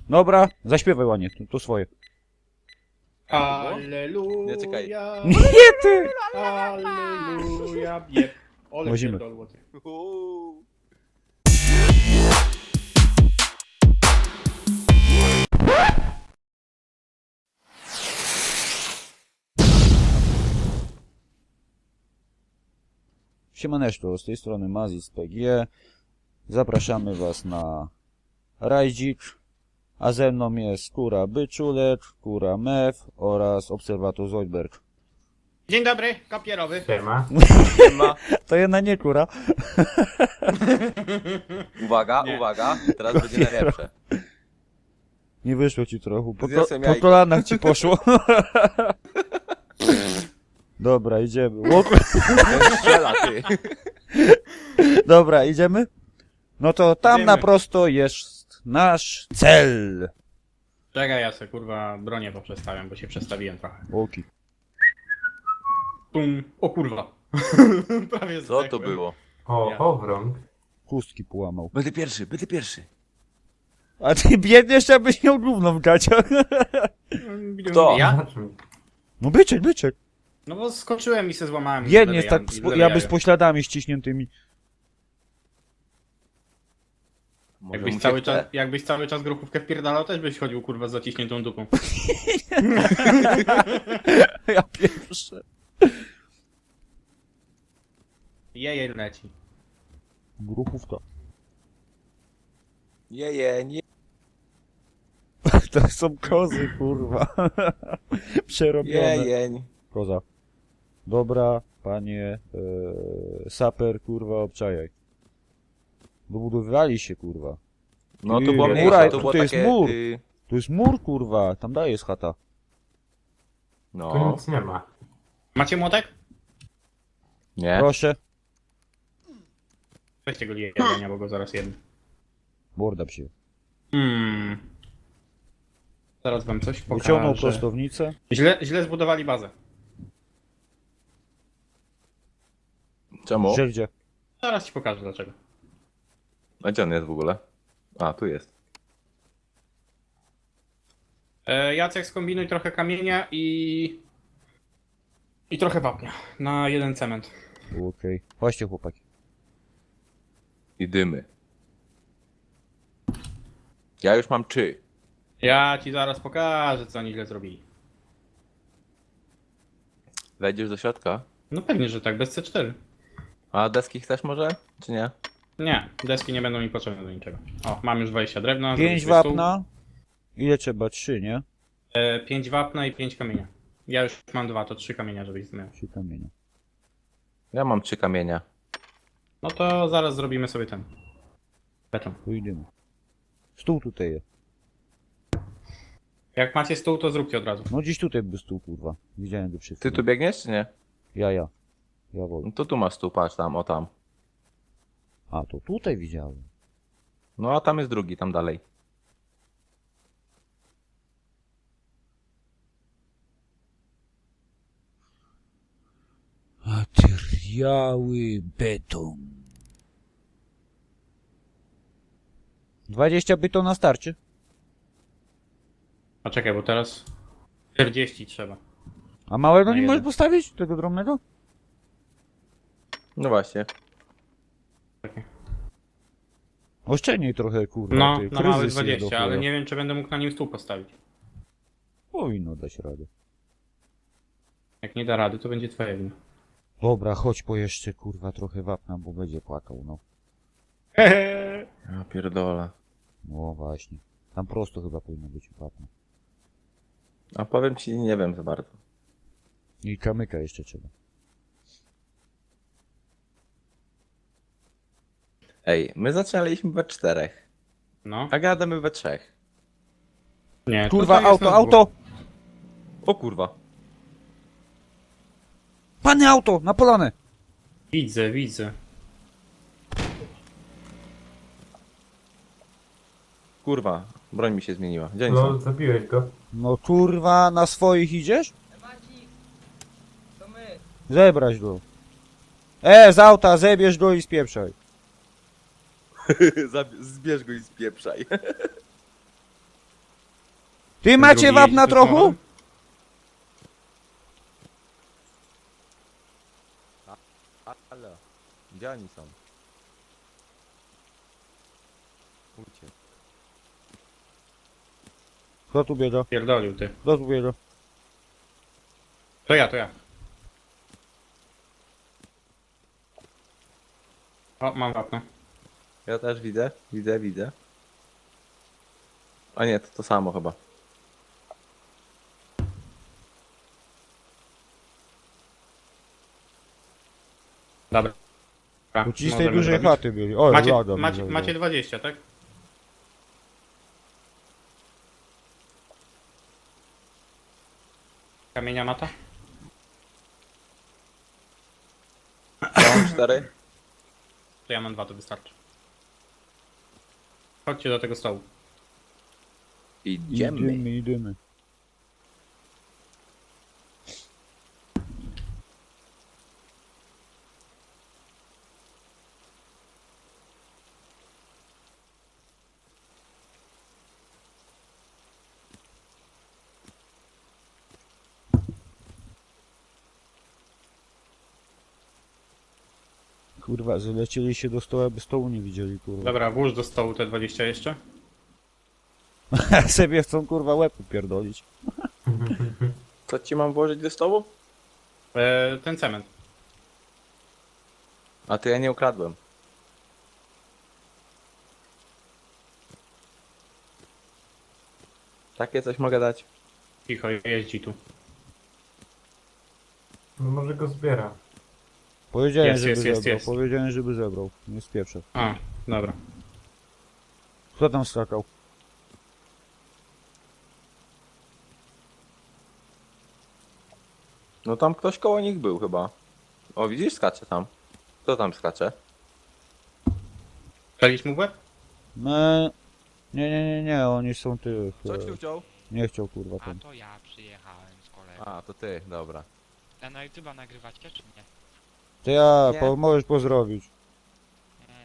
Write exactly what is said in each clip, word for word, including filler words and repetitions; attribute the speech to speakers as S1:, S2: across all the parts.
S1: Dobra, zaśpiewaj ładnie, to, to swoje.
S2: Alleluja.
S3: Nie, czekaj.
S1: Nie ty!
S2: Alleluja. Bieg. Ole
S1: Łazimy.
S2: pierdolło ty.
S3: Uuu.
S1: Siemaneczko, z tej strony Mazis P G. Zapraszamy was na rajdzik, a ze mną jest Kura Byczulek, Kura Mew oraz Obserwator Zoidberg.
S2: Dzień dobry, kopierowy.
S4: Siema.
S3: Ma.
S1: To jedna nie Kura.
S3: Uwaga,
S2: Nie.
S3: uwaga, teraz będzie najlepsze.
S1: Nie wyszło ci trochę, po, ko
S3: Zjadłem
S1: po
S3: jajko.
S1: kolanach ci poszło. Dobra, idziemy. O, kur-
S3: Ten strzela, ty.
S1: Dobra, idziemy? No to tam
S2: Idziemy.
S1: na prosto jest nasz cel.
S2: Czekaj, ja sobie kurwa bronię poprzestawiam, bo się przestawiłem trochę.
S1: Łoki.
S2: Tum. O kurwa. Prawie
S3: Co to
S2: zdechłem.
S3: było?
S4: O,
S2: Ja.
S4: owrąg.
S1: Chustki połamał.
S3: Będę pierwszy, będę pierwszy.
S1: A ty biedniesz, abyś miał gówno w gaciach.
S3: Kto?
S2: Ja?
S4: Na czym?
S1: No byczek, byczek.
S2: No bo skoczyłem i se złamałem.
S1: Biednie
S2: lewe
S1: jest tak,
S2: jan-
S1: z,
S2: lewe
S1: jakby
S2: jajo.
S1: z pośladami ściśniętymi.
S3: Może
S2: Jakbyś
S3: mu
S2: cały,
S3: się
S2: czas,
S3: chce.
S2: jakbyś cały czas grochówkę wpierdalał, też byś chodził kurwa z zaciśniętą dupą.
S1: Ja pierwszy.
S2: Jeje leci.
S1: Gruchówka.
S3: Jeje, nie.
S1: To są kozy, kurwa. Przerobione.
S3: Jejeń.
S1: Koza. Dobra, panie e, saper, kurwa, obczajaj. Dobudowywali się, kurwa.
S3: No
S1: Ty,
S3: to było
S1: mura,
S3: mniejsze,
S1: to
S3: to było
S1: jest
S3: takie...
S1: mur.
S3: y,
S1: Tu jest mur, kurwa. Tam daje jest chata.
S4: Tu
S3: No,
S4: nic nie ma.
S2: Macie młotek?
S3: nie.
S1: Proszę.
S2: Weźcie go jedzenia, bo go zaraz jedno.
S1: Morda psie.
S2: Hmm. Zaraz wam coś
S1: Wyciągnął
S2: pokażę.
S1: prostownicę.
S2: Źle, źle zbudowali bazę.
S3: Czemu?
S1: Żeldzie.
S2: Zaraz ci pokażę dlaczego.
S3: A gdzie on jest w ogóle? A, tu jest.
S2: E, Jacek, skombinuj trochę kamienia i... I trochę wapnia. Na jeden cement.
S1: Okej. Okay. Chodźcie, chłopaki.
S3: I dymy. Ja już mam trzy.
S2: Ja ci zaraz pokażę, co oni źle zrobili.
S3: Wejdziesz do środka?
S2: No pewnie, że tak, bez C cztery.
S3: A deski chcesz może? Czy nie?
S2: Nie, deski nie będą mi potrzebne do niczego. O, mam już dwadzieścia drewna.
S1: Pięć
S2: zrobię stół.
S1: wapna. Ile trzeba? Trzy, nie?
S2: E, pięć wapna i pięć kamienia. Ja już mam dwa, to trzy kamienia, żebyś miał.
S1: Trzy kamienia.
S3: Ja mam trzy kamienia.
S2: No to zaraz zrobimy sobie ten. Beton.
S1: Tu idziemy. Stół tutaj jest.
S2: Jak macie stół, to zróbcie od razu.
S1: No gdzieś tutaj był stół, kurwa. Widziałem go przy
S3: Ty tu biegniesz, czy nie?
S1: Ja, ja. Ja wolę.
S3: No to tu masz tu, patrz tam, o tam.
S1: A, to tutaj widziałem.
S3: No a tam jest drugi, tam dalej.
S1: Materiały beton. dwadzieścia byton na starcie.
S2: A czekaj, bo teraz czterdzieści trzeba.
S1: A małego
S2: Na
S1: nie
S2: jeden.
S1: możesz postawić? Tego drobnego?
S3: No właśnie.
S1: Oszczędniej trochę, kurwa.
S2: No,
S1: ty,
S2: na mały
S1: kryzys je do
S2: dwadzieścia, ale
S1: chuja.
S2: nie wiem, czy będę mógł na nim stół postawić.
S1: Powinno dać radę.
S2: Jak nie da rady, to będzie twoja wina.
S1: Dobra, chodź po jeszcze, kurwa, trochę wapna, bo będzie płakał, no.
S3: Ja pierdolę.
S1: No właśnie. Tam prosto chyba powinno być wapna.
S3: A powiem ci, nie wiem za bardzo.
S1: I kamyka jeszcze trzeba.
S3: Ej, my zaczynaliśmy we czterech,
S2: No.
S3: a gadamy we trzech.
S2: Nie,
S1: Kurwa,
S2: tutaj jest
S1: auto,
S2: na dwóch.
S1: auto!
S3: O kurwa.
S1: Panie auto, na polanę!
S2: Widzę, widzę.
S3: Kurwa, broń mi się zmieniła. Gdzie oni
S4: No,
S3: są?
S4: zabiłeś go.
S1: No kurwa, na swoich idziesz?
S5: Ewacik, to my.
S1: Zebrać go. E, z auta, zebierz go i spieprzaj.
S3: Zab- Zbierz go i spieprzaj.
S1: Ty
S2: Ten
S1: macie
S2: drugi
S1: wapna
S2: jeździ z
S1: trochę?
S2: samochodem?
S3: Halo. Gdzie oni są? Uciekł.
S1: Kto tu biega?
S2: Pierdolił ty.
S1: Kto tu biega?
S2: To ja, to ja. O, mam wapno.
S3: Ja też widzę, widzę, widzę. A nie, to to samo chyba.
S2: Dobra.
S1: Bo ci z tej
S2: możemy
S1: dużej
S2: zrobić.
S1: chaty byli. Oj,
S2: Macie,
S1: lada mi
S2: macie,
S1: zerwał.
S2: macie dwadzieścia, tak? Kamienia mata?
S3: Ja mam cztery.
S2: To ja mam dwa, to wystarczy. Chodźcie do tego stołu.
S3: Idziemy.
S1: Idziemy, idziemy. Kurwa, zlecieli się do stołu, aby stołu nie widzieli, kurwa.
S2: Dobra, włóż do stołu te dwadzieścia jeszcze.
S1: Sobie chcą, kurwa, łeb upierdolić.
S3: Co ci mam włożyć do stołu?
S2: E, ten cement.
S3: A to ja nie ukradłem. Takie coś mogę dać?
S2: Cicho, jeździ tu.
S4: No może go zbiera.
S1: Powiedziałem,
S2: Jest,
S1: żeby
S2: jest, jest,
S1: zebrał.
S2: jest.
S1: Powiedziałem, żeby zebrał. Nie spieprzę.
S2: A, dobra.
S1: Kto tam skakał?
S3: No tam ktoś koło nich był chyba. O, widzisz? Skacze tam. Kto tam skacze?
S2: Palić mu w łeb?
S1: No, nie, nie, nie, nie, oni są tych.
S3: Coś
S1: e,
S3: tu wziął?
S1: Nie chciał, kurwa,
S6: A
S1: ten.
S6: to ja przyjechałem z kolegą.
S3: A, to ty, dobra.
S6: A na YouTube'a nagrywacie czy nie?
S1: To ja,
S3: Nie.
S1: po, możesz pozdrowić.
S6: Nie.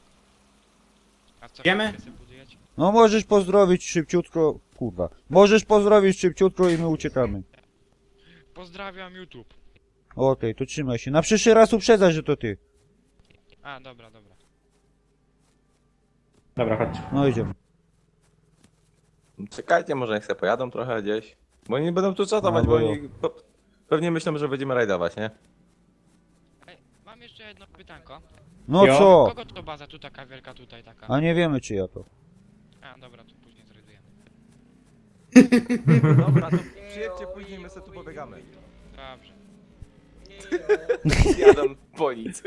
S6: A co
S2: Wiemy?
S6: wy sobie budujecie?
S1: No możesz pozdrowić szybciutko, kurwa. Możesz pozdrowić szybciutko i my uciekamy.
S6: Pozdrawiam YouTube.
S1: Okej, to trzymaj się. Na przyszły raz uprzedzaj, że to ty.
S6: A, dobra, dobra.
S2: Dobra, chodź.
S1: No idziemy.
S3: Czekajcie, może niech se pojadą trochę gdzieś. Bo oni będą tu czatować,
S1: No,
S3: bo
S1: bo-
S3: oni po, pewnie myślą, że będziemy rajdować, nie?
S6: Ej, mam jeszcze jedno pytanko.
S1: No
S2: Jo.
S1: co?
S6: Kogo to baza tu taka wielka, tutaj taka?
S1: A nie wiemy, czy ja to.
S6: A, dobra, to później zrajdujemy.
S3: Dobra, to przyjedźcie później, my sobie tu pobiegamy.
S6: Dobrze.
S3: Jadą po nic.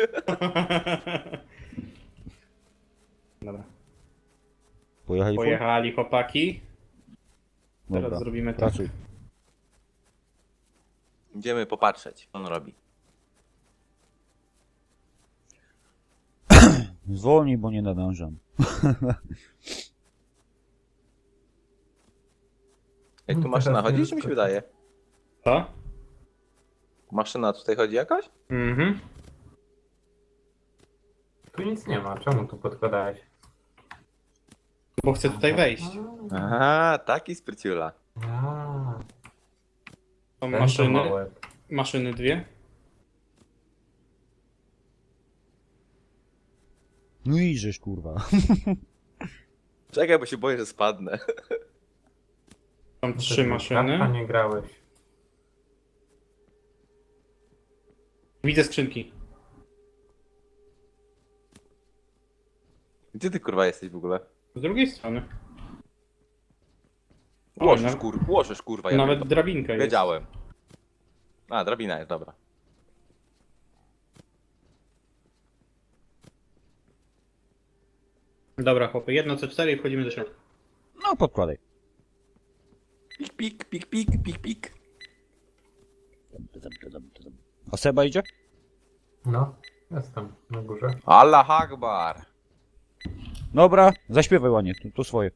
S2: Dobra.
S1: Pojechali? po-
S2: Pojechali chłopaki. Teraz
S1: Dobra,
S2: zrobimy tak.
S1: pracuj.
S3: Idziemy popatrzeć, co on robi.
S1: Zwolnij, bo nie nadążam.
S3: Ej, tu
S4: No,
S3: maszyna
S4: teraz
S3: chodzi,
S4: nie
S3: czy mi się
S4: wyskoczy.
S3: wydaje?
S2: Co?
S3: Maszyna tutaj chodzi jakaś?
S2: Mhm.
S4: Tu nic nie ma, czemu tu podkładałeś?
S2: Bo chcę tutaj wejść.
S3: Aha, taki spryciula.
S4: A,
S2: Są
S4: ten to ma
S2: maszyny.
S4: łeb.
S2: Maszyny dwie.
S1: No idziesz, kurwa.
S3: Czekaj, bo się boję, że spadnę.
S2: Są
S4: No to
S2: trzy
S4: ty A
S2: maszyny.
S4: nie grałeś.
S2: Widzę skrzynki.
S3: Gdzie ty kurwa jesteś w ogóle?
S2: Z drugiej strony. O,
S3: Łożysz
S2: nawet,
S3: kur, łożysz kurwa, ja
S2: nawet
S3: to
S2: drabinka jest.
S3: wiedziałem. A, drabina jest, dobra.
S2: Dobra, chłopy, jedno C cztery i wchodzimy do środka.
S1: No podkładaj.
S3: Pik, pik, pik, pik, pik, pik.
S1: A Seba idzie?
S4: No, jestem na górze.
S3: Allah Akbar.
S1: Dobra, zaśpiewaj ładnie, to, to swoje.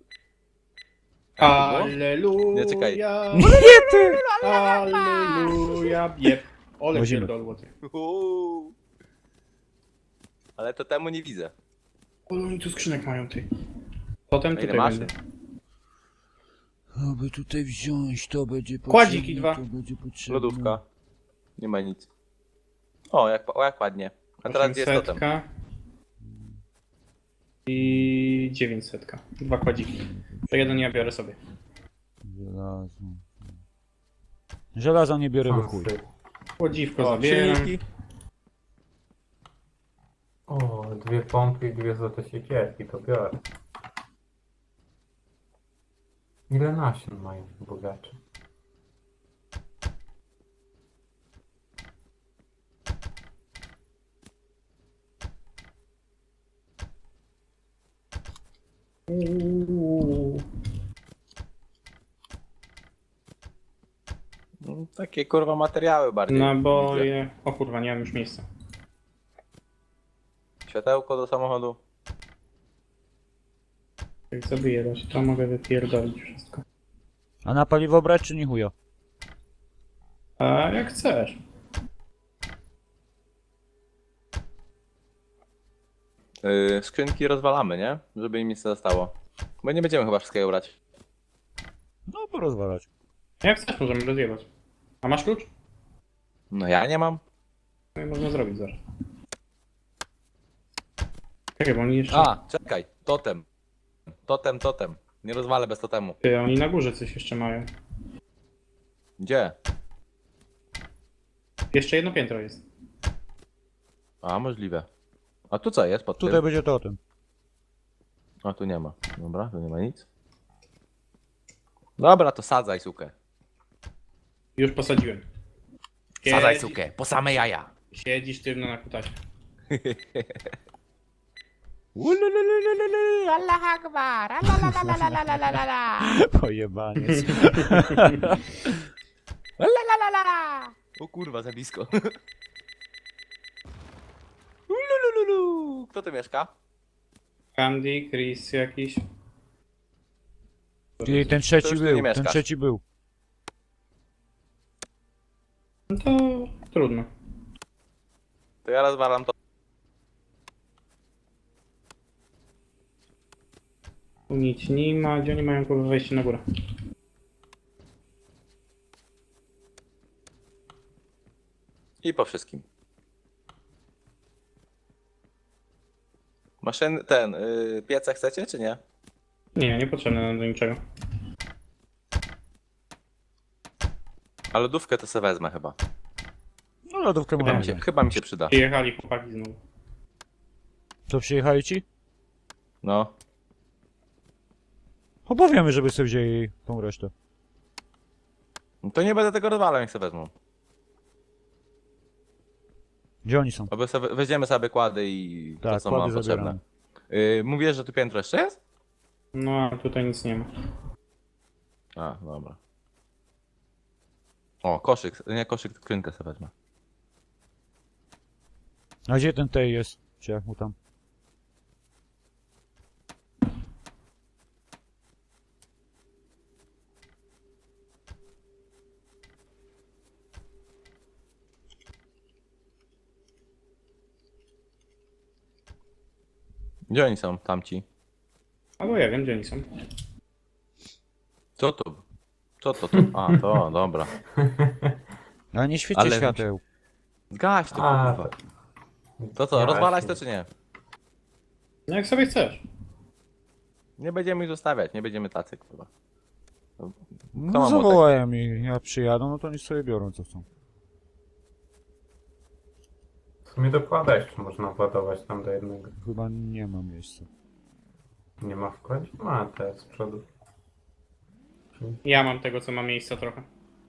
S2: Alleluja.
S3: Nie, czekaj.
S1: Nie ty!
S2: Alleluja. Jeb. Ole
S1: Wozimy.
S2: pierdolło ty.
S3: Uuu. Ale to temu nie widzę.
S2: Ole oni tu skrzynek mają ty. Potem
S3: A ile
S2: tutaj
S3: masz?
S2: będzie.
S1: Aby tutaj wziąć, to będzie potrzebne.
S2: Kładziki dwa.
S1: To będzie potrzebne.
S3: Lodówka. Nie ma nic. O, jak, o, jak ładnie. A teraz gdzie jest totem?
S2: osiemsetka i dziewięćsetka. Dwa kładziki. To jeden ja biorę sobie.
S1: Żelazo. Żelazo nie biorę, bo chuj.
S2: Kładziwko
S3: O,
S2: zabieram.
S3: silniki.
S4: O, dwie pompy i dwie złote siekierki, to biorę. Ile nasion mają bogacze?
S2: Uuu.
S3: No, takie kurwa materiały bardziej.
S2: Naboje. O kurwa, nie mam już miejsca.
S3: Światełko do samochodu.
S2: Jak zabiję, to się to mogę wypierdolić wszystko.
S1: A na paliwo brać czy nie chuja?
S2: A jak chcesz.
S3: Yy, skrzynki rozwalamy, nie? Żeby im nic nie zostało. Bo nie będziemy chyba wszystkiego brać.
S1: No, porozwalać.
S2: Jak chcesz, możemy rozjebać. A masz klucz?
S3: No ja nie mam.
S2: No i można zrobić zaraz. Czekaj, bo oni jeszcze...
S3: A, czekaj. Totem. Totem, totem. Nie rozwalę bez totemu.
S2: Ty, oni na górze coś jeszcze mają.
S3: Gdzie?
S2: Jeszcze jedno piętro jest.
S3: A, możliwe. A tu co jest pod
S1: Tutaj
S3: tym?
S1: będzie totem.
S3: A tu nie ma. Dobra, tu nie ma nic. Dobra, to sadzaj sukę.
S2: Już posadziłem.
S3: Sadzaj
S2: Siedzi-
S3: sukę, po same jaja.
S2: Siedzisz sztywno na kutasie.
S3: Ulululululu, Allah Akbar, alalalalalalalala.
S1: Pojebaniec.
S3: Lalalala. O kurwa, za blisko. Ululululu. Kto tu mieszka?
S2: Candy, Chris jakiś.
S1: Ty, ten trzeci
S3: już tu nie
S1: był, ten
S3: mieszkasz.
S1: trzeci był.
S2: No to trudno.
S3: To ja rozwalam to.
S2: Tu nic nie ma. Gdzie oni mają kurwa wejście na górę?
S3: I po wszystkim. Maszyn, ten, yy, pieca chcecie, czy nie?
S2: Nie, niepotrzebne nam do niczego.
S3: A lodówkę to sobie wezmę chyba.
S1: No, lodówkę
S3: Chyba mi
S1: mamy.
S3: się, chyba mi się przyda.
S2: Przyjechali chłopaki znowu.
S1: To przyjechali ci?
S3: No.
S1: Opowiemy, żeby sobie wzięli tą resztę.
S3: No to nie będę tego rozwalał, jak sobie wezmą.
S1: Gdzie oni są?
S3: Oby sobie, weźmiemy sobie kłady i to,
S1: Tak,
S3: co nam
S1: kłady
S3: potrzebne.
S1: zabieramy.
S3: Yy, mówisz, że tu piętro jeszcze jest?
S2: No a tutaj nic nie ma.
S3: A, dobra. O, koszyk, nie koszyk, skrzynkę sobie wezmę.
S1: A gdzie ten tej jest? Czy jak mu tam?
S3: Gdzie oni są, tamci?
S2: Albo ja wiem, gdzie oni są.
S3: Co tu? Co to tu? A, to, dobra.
S1: Ale nie świeci
S3: Ale-
S1: świateł.
S3: Zgaś to,
S4: A,
S3: kurwa.
S4: to-
S3: To co,
S4: Ja
S3: rozwalać
S4: właśnie.
S3: to czy nie?
S2: No jak sobie chcesz.
S3: Nie będziemy ich zostawiać, nie będziemy tacy, kurwa. Kto
S1: No
S3: ma młotek?
S1: zawołają mi, jak przyjadą, no to oni sobie biorą co chcą.
S4: W sumie dokłada jeszcze można władować tam do jednego.
S1: Chyba nie ma miejsca.
S4: Nie ma wkładzie? Ma te z przodu.
S2: Ja mam tego, co ma miejsca trochę.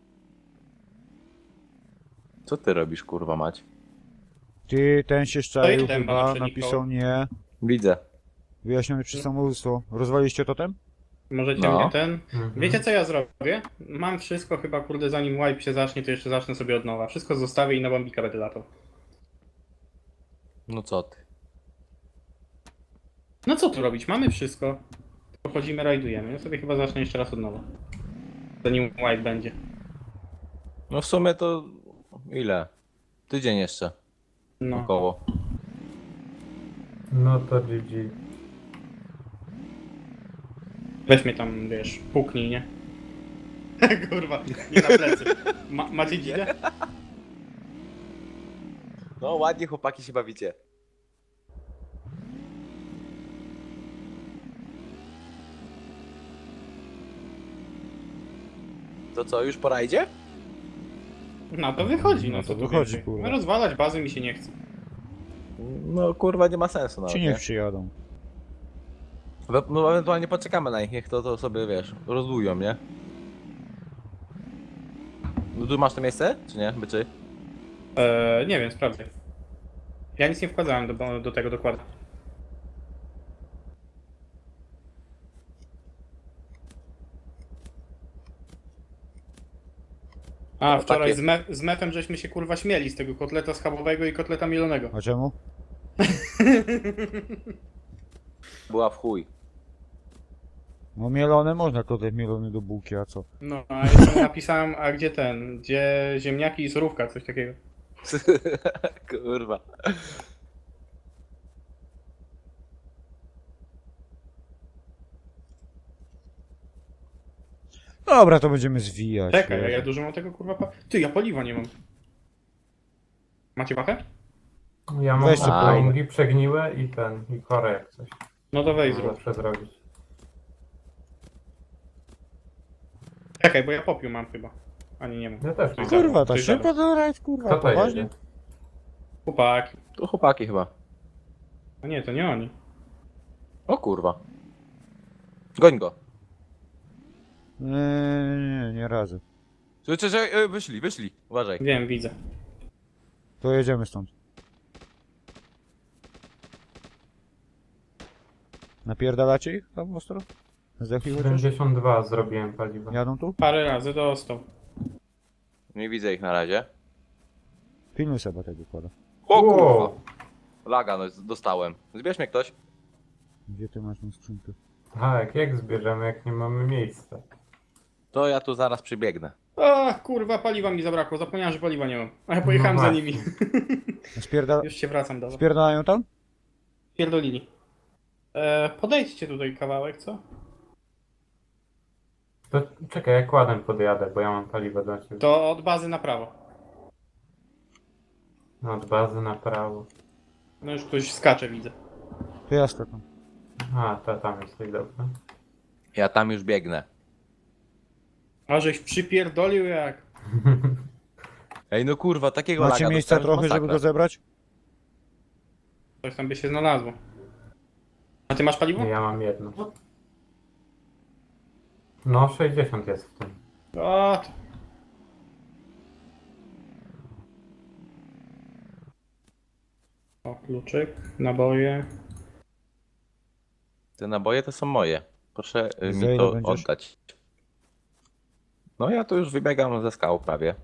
S3: Co ty robisz, kurwa mać?
S1: Ty, ten się
S2: To
S1: szczaił
S2: i ten
S1: chyba,
S2: pana
S1: napisał nie.
S3: Widzę.
S1: Wyjaśniony przez samobójstwo. Rozwaliście totem?
S2: Możecie
S3: No.
S2: mnie ten...
S4: Mhm.
S2: Wiecie co ja zrobię? Mam wszystko chyba, kurde, zanim wipe się zacznie, to jeszcze zacznę sobie od nowa. Wszystko zostawię i na bombika będę latał.
S3: No co ty?
S2: No co tu robić? Mamy wszystko. Pochodzimy, rajdujemy. Ja sobie chyba zacznę jeszcze raz od nowa. Zanim wipe będzie.
S3: No w sumie to... Ile? Tydzień jeszcze.
S2: No.
S3: Około.
S4: No to G G.
S2: Weź mnie tam, wiesz, puknij, nie? Kurwa, nie na plecy. Ma, macie dzidę?
S3: No ładnie chłopaki się bawicie. To co, już pora idzie?
S2: No to wychodzi, no,
S1: No
S2: co
S1: to
S2: tu
S1: wychodzi,
S2: więcej.
S1: kurwa.
S2: No, rozwalać bazy mi się nie chce.
S3: No kurwa nie ma sensu nawet,
S1: Ci
S3: nie?
S1: niech przyjadą.
S3: We- No ewentualnie poczekamy na nich, niech to, to sobie wiesz, rozdują, nie? No tu masz to miejsce, czy nie, byczy?
S2: Eee, nie wiem, sprawdzę. Ja nic nie wkładałem do, do tego dokładu. A,
S3: No,
S2: wczoraj
S3: takie-
S2: z, me z mefem żeśmy się kurwa śmieli z tego kotleta schabowego i kotleta mielonego.
S1: A czemu?
S3: Była w chuj.
S1: No mielone można, kotlet mielony do bułki, a co?
S2: No, a jeszcze mu napisałem, a gdzie ten, gdzie ziemniaki i surówka, coś takiego.
S3: Kurwa.
S1: Dobra, to będziemy zwijać.
S2: Czekaj, a
S1: wiesz.
S2: ja dużo mam tego kurwa pa... Ty, ja paliwa nie mam. Macie pachę?
S4: Ja mam
S1: Weź sobie
S4: flangi przegniłe i ten, i korę jak coś.
S2: No to wejdź
S4: Można
S2: zrób.
S4: zawsze zrobić.
S2: Czekaj, bo ja popiół mam chyba. Ani nie mam.
S4: Ja też mam.
S1: Kurwa, ta
S2: Coś
S1: szybko to rajd, kurwa,
S4: Kto to
S1: poważnie?
S4: jedzie?
S2: Chłopaki.
S3: To chłopaki chyba.
S2: A nie, to nie oni.
S3: O kurwa. Goń go.
S1: Nie, nie, nie, nie razy.
S3: Czy, czy, czy, e, wyszli, wyszli. Uważaj.
S2: Wiem, widzę.
S1: To jedziemy stąd. Napierdalacie ich tam ostro? Zdechli chociaż?
S4: siedemdziesiąt dwa zrobiłem paliwa.
S1: Jadą tu?
S2: Parę razy dostał.
S3: Nie widzę ich na razie.
S1: Pilnuj sobie tego kłada.
S3: O kurwa.
S4: Wow.
S3: Laga no, dostałem. Zbierz mnie ktoś.
S1: Gdzie ty masz tą skrzynkę?
S4: Tak, jak zbierzemy, jak nie mamy miejsca?
S3: To ja tu zaraz przybiegnę.
S2: A kurwa, paliwa mi zabrakło. Zapomniałem, że paliwa nie mam. A ja pojechałem
S4: No
S2: za
S4: właśnie.
S2: nimi.
S1: Spierdala...
S2: Już się wracam do was.
S1: Spierdalają tam?
S2: Pierdolili. E, podejdźcie tutaj kawałek, co?
S4: To czekaj, jak ładem podjadę, bo ja mam paliwo dla ciebie.
S2: To od bazy na prawo.
S4: No, od bazy na prawo.
S2: No już ktoś skacze, widzę.
S1: To ja skakam.
S4: A, to tam jesteś, dobra.
S3: Ja tam już biegnę.
S2: A żeś przypierdolił jak.
S3: Ej no kurwa, takiego
S1: Macie
S3: laga
S1: miejsca
S3: dostałem, że
S1: trochę, żeby go
S3: masakra.
S1: zebrać?
S2: Coś tam by się znalazło. A ty masz paliwo?
S4: Ja mam jedno. No, sześćdziesiąt jest w tym.
S2: O, to... O, kluczyk, naboje.
S3: Te naboje to są moje. Proszę y,
S1: Za
S3: mi
S1: ile
S3: to
S1: będziesz?
S3: oddać. No ja tu już wybiegam ze skał prawie.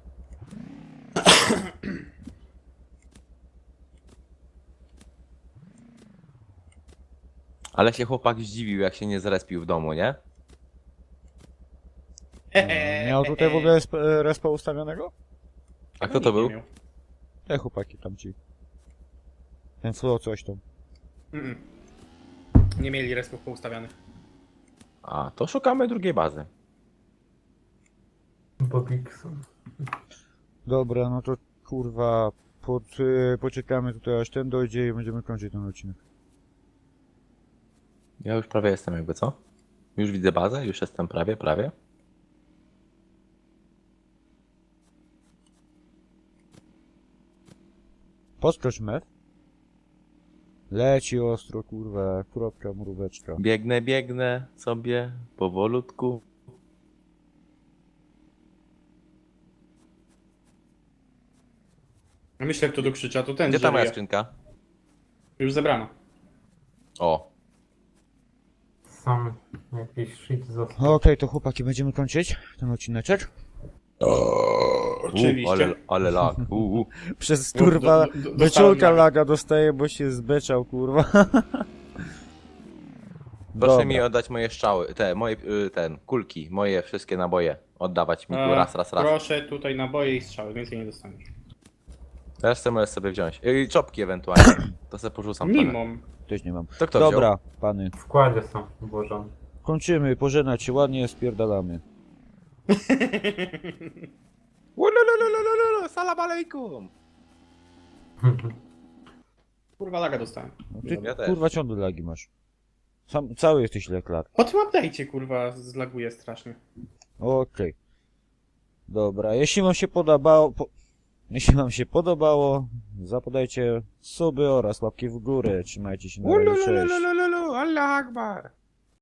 S3: Ale się chłopak zdziwił, jak się nie zrespił w domu, nie?
S1: Miał tutaj w ogóle resp respa ustawionego?
S3: A kto to
S2: Nikt nie
S3: był?
S2: miał.
S1: Te chłopaki tam ci. Ten flow coś tam.
S2: Mm-mm. Nie mieli respów poustawionych.
S3: A, to szukamy drugiej bazy.
S4: Bobikson.
S1: Dobra, no to kurwa pod, y, poczekamy tutaj aż ten dojdzie i będziemy kończyć ten odcinek.
S3: Ja już prawie jestem jakby, co? Już widzę bazę, już jestem prawie, prawie.
S1: Podskocz mef. Leci ostro, kurwa, kropka, mróweczka.
S3: Biegnę, biegnę sobie powolutku.
S2: Myślę, kto tu krzycza, to ten,
S3: Gdzie ta
S2: że
S3: moja
S2: żyje.
S3: skrzynka?
S2: Już zebrano.
S3: O,
S4: Sam jakiś shit został.
S1: Okej, to chłopaki, będziemy kończyć ten odcineczek.
S2: Oczywiście.
S3: U, ale, ale lag. U, u.
S1: Przez
S2: Do-
S1: kurwa
S2: do- do- dostałem
S1: wyczulka
S2: laga.
S1: laga dostaje, bo się zbeczał, kurwa.
S3: Proszę
S1: Dobra.
S3: mi oddać moje strzały, te, moje, y, ten, kulki, moje wszystkie naboje. Oddawać mi tu
S2: E,
S3: raz, raz, raz.
S2: Proszę tutaj naboje i strzały, więcej nie dostaniesz.
S3: Resztę możesz sobie wziąć. I czopki ewentualnie. To sobie porzucam.
S2: Nie
S3: trochę.
S2: mam.
S1: Też nie mam.
S3: To kto
S1: Dobra, pany.
S4: W składzie są włożone.
S1: Kończymy, pożegnać się ładnie, spierdalamy.
S3: Ululululululu, salam alejkum!
S2: Kurwa, laga dostałem.
S1: No ty,
S3: Ja też.
S1: kurwa, ciągle lagi masz. Sam, cały jesteś leklar.
S2: Po tym update'cie, kurwa, zlaguje strasznie.
S1: Okej. Dobra, jeśli wam się podobało, po... jeśli wam się podobało, zapodajcie suby oraz łapki w górę. Trzymajcie się na razie, cześć.
S3: Ulululululu, Allah Akbar!